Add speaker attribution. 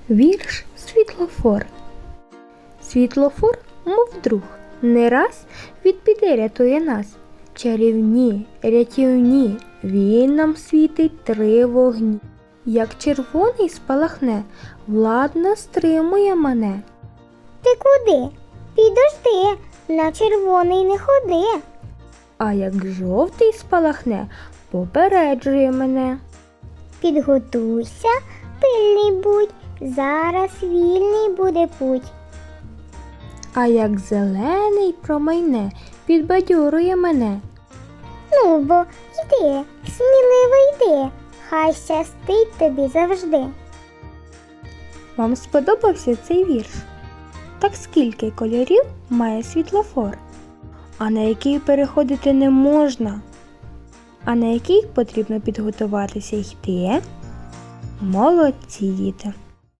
Speaker 1: Вірш «Світлофор». Світлофор, мов друг, не раз від біди рятує нас. Чарівні, рятівні, він нам світить 3 вогні. Як червоний спалахне, владно стримує мене.
Speaker 2: Ти куди? Підожди, на червоний не ходи.
Speaker 1: А як жовтий спалахне, попереджує мене.
Speaker 2: Підготуйся, пильний будь, зараз вільний буде путь.
Speaker 1: А як зелений промайне, підбадьорує мене.
Speaker 2: Ну бо йди, сміливо йди, хай щастить тобі завжди.
Speaker 1: Вам сподобався цей вірш? Так скільки кольорів має світлофор? А на який переходити не можна? А на який потрібно підготуватися йти? Молодці, діти!